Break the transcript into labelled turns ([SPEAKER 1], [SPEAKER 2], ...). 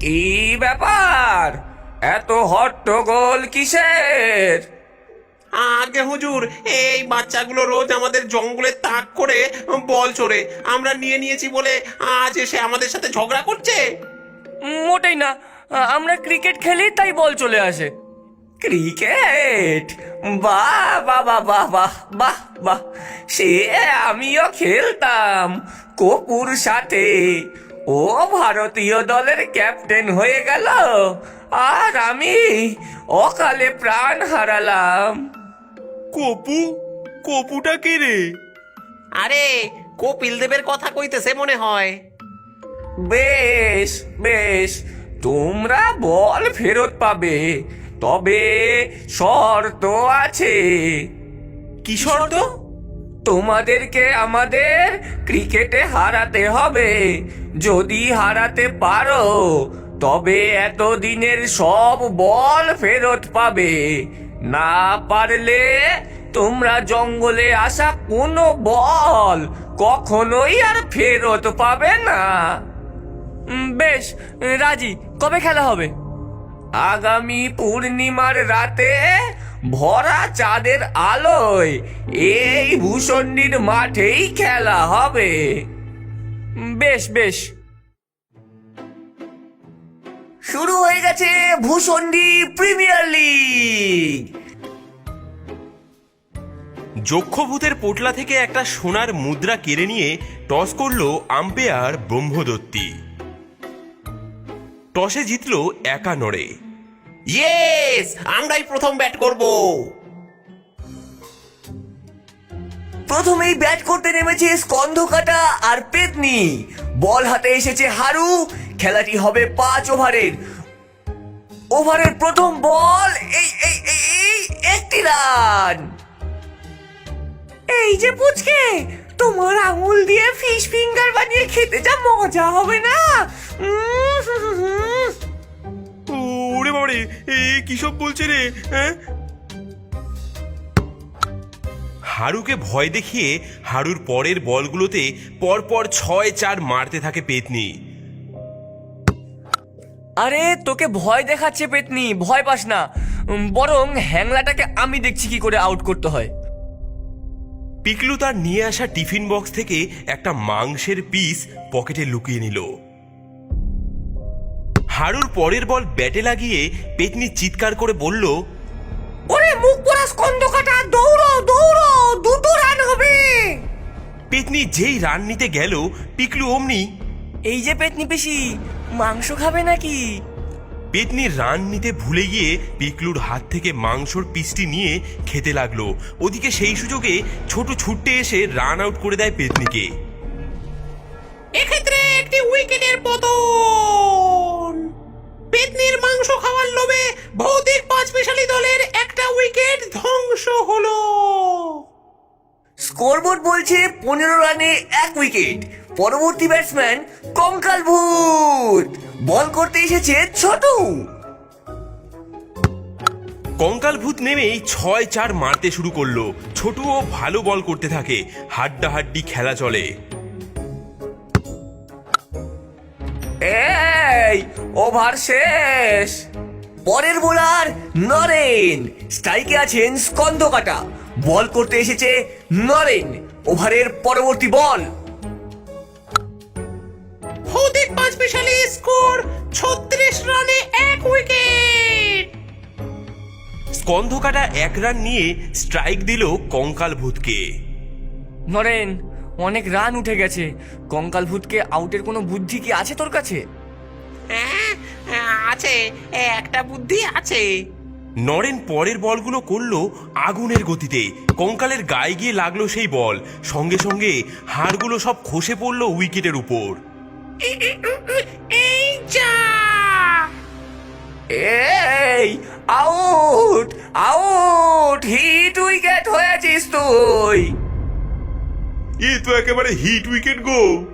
[SPEAKER 1] কি ব্যাপার, এত হট্টগোল কিসের?
[SPEAKER 2] আগে হুজুর, এই বাচ্চাগুলো রোজ আমাদের জঙ্গলে তাক করে বল চোরে, আমরা নিয়ে নিয়েছি বলে আজ এসে আমাদের সাথে ঝগড়া করছে।
[SPEAKER 3] মোটেই না, আমরা ক্রিকেট খেলি তাই বল চলে আসে।
[SPEAKER 1] ক্রিকেট? বাহ বাহ বাহ বাহ বাহ বাহ বাহ, সে আমিও খেলতাম কপুর সাথে। ও ভারতীয় দলের ক্যাপ্টেন হয়ে গেল আর আমি অকালে প্রাণ হারালাম।
[SPEAKER 4] কপু? কপুটা কে রে?
[SPEAKER 2] আরে কপিল দেবের কথা কইতেছে মনে হয়।
[SPEAKER 1] বেশ বেশ, তোমরা বল ফেরত পাবে, তবে শর্ত আছে।
[SPEAKER 4] কি শর্ত?
[SPEAKER 1] তোমাদেরকে আমাদের ক্রিকেটে হারাতে হবে। যদি হারাতে পারো তবে এতদিনের সব বল ফেরত পাবে, না পারলে তোমরা জঙ্গলে আসা কোনো বল কখনোই আর ফেরত পাবে না।
[SPEAKER 3] বেশ, রাজি। কবে খেলা হবে?
[SPEAKER 1] আগামী পূর্ণিমার রাতে ভরা চাঁদের আলোয় এই ভূষণ্ডির মাঠেই খেলা হবে।
[SPEAKER 3] বেশ বেশ।
[SPEAKER 1] শুরু হয়ে গেছে ভূষণ্ডি প্রিমিয়ার লিগ।
[SPEAKER 4] যক্ষভূতের পোটলা থেকে একটা সোনার মুদ্রা কেড়ে নিয়ে টস করলো আম্পায়ার ব্রহ্মদত্তি। টসে জিতলো একা নড়ে।
[SPEAKER 2] ইয়েস, আমরাই প্রথম ব্যাট করব।
[SPEAKER 1] প্রথমেই ব্যাট করতে নেমেছে স্কন্ধকাটা আর পেতনি। বল হাতে এসেছে হারু। খেলাটি হবে 5 ওভারের। ওভারের প্রথম বল, এই এই এই এই, 1টি রান। এই যে পুচকে, তোমার আঙুল দিয়ে ফিশ ফিঙ্গার বানিয়ে খেতে যা মজা হবে না।
[SPEAKER 4] ওরে বাবারে, এ কি সব বলছে রে? হ্যাঁ, হারুকে ভয় দেখিয়ে হারুর পরের বলগুলোতে পরপর 6-4 মারতে থাকে পেতনি।
[SPEAKER 3] আরে তোকে ভয় দেখাচ্ছে পেতনি, ভয় পাস না। বরং হ্যাংলাটাকে আমি দেখছি কি করে আউট করতে হয়।
[SPEAKER 4] পিকলু তার নিয়ে আসা টিফিন বক্স থেকে একটা মাংসের পিস পকেটে লুকিয়ে নিল। হারুর পরের বল ব্যাটে লাগিয়ে পেতনি চিৎকার করে বলল,
[SPEAKER 1] ওরে মুখ পোড়া স্কন্ধকাটা, দৌড়ো দৌড়ো, 2টো রান হবে।
[SPEAKER 4] পেতনি যেই রান নিতে গেল পিকলু অমনি,
[SPEAKER 3] এই যে পেতনি পিসি, মাংস খাবে নাকি?
[SPEAKER 4] পেতনি রান নিতে ভুলে গিয়ে পিকলুর হাত থেকে মাংসর পিসটি নিয়ে খেতে লাগলো। ওদিকে সেই সুযোগে ছোট ছুট্টে এসে রান আউট করে দেয় পেতনিকে।
[SPEAKER 2] এক্ষেত্রে একটি উইকেটের পতন। পেতনির মাংস খাওয়ার লোভে ভৌতিক 5 স্পেশালি দলের একটা উইকেট ধ্বংস হলো।
[SPEAKER 1] স্কোরবোর্ড বলছে 15 রানে 1 উইকেট। পরবর্তী ব্যাটসম্যান কঙ্কাল ভূত। বল করতে এসেছে ছোটু।
[SPEAKER 4] কঙ্কাল ভূত নেমেই 6-4 মারতে শুরু করলো। ছোটুও ভালো বল করতে থাকে। হাড্ডাহাড্ডি খেলা চলে।
[SPEAKER 1] এই ওভার শেষ। পরের বোলার নরেন। স্ট্রাইকে আছেন স্কন্ধকাটা। বল করতে এসেছে নরেন। ওভারের পরবর্তী বল।
[SPEAKER 2] ভৌতিক 5 স্পেশালি স্কোর 36 রানে 1 উইকেট।
[SPEAKER 4] স্কন্ধকাটা 1 রান নিয়ে স্ট্রাইক দিল কঙ্কাল ভূতকে।
[SPEAKER 3] নরেন, অনেক রান উঠে গেছে। কঙ্কাল ভূতকে আউটের কোনো বুদ্ধি কি আছে তোর কাছে?
[SPEAKER 2] হ্যাঁ, আছে, একটা বুদ্ধি আছে।
[SPEAKER 4] নরেন পরের বলগুলো করলো আগুনের গতিতে। কঙ্কালের গায়ে গিয়ে লাগলো সেই বল। সঙ্গে সঙ্গে হাড়গুলো সব খসে পড়লো উইকেটের উপর।
[SPEAKER 2] এই যা!
[SPEAKER 1] এই আউট আউট, হিট উইকেট হয়েছিস তুই।
[SPEAKER 4] এ তো একেবারে হিট উইকেট গো।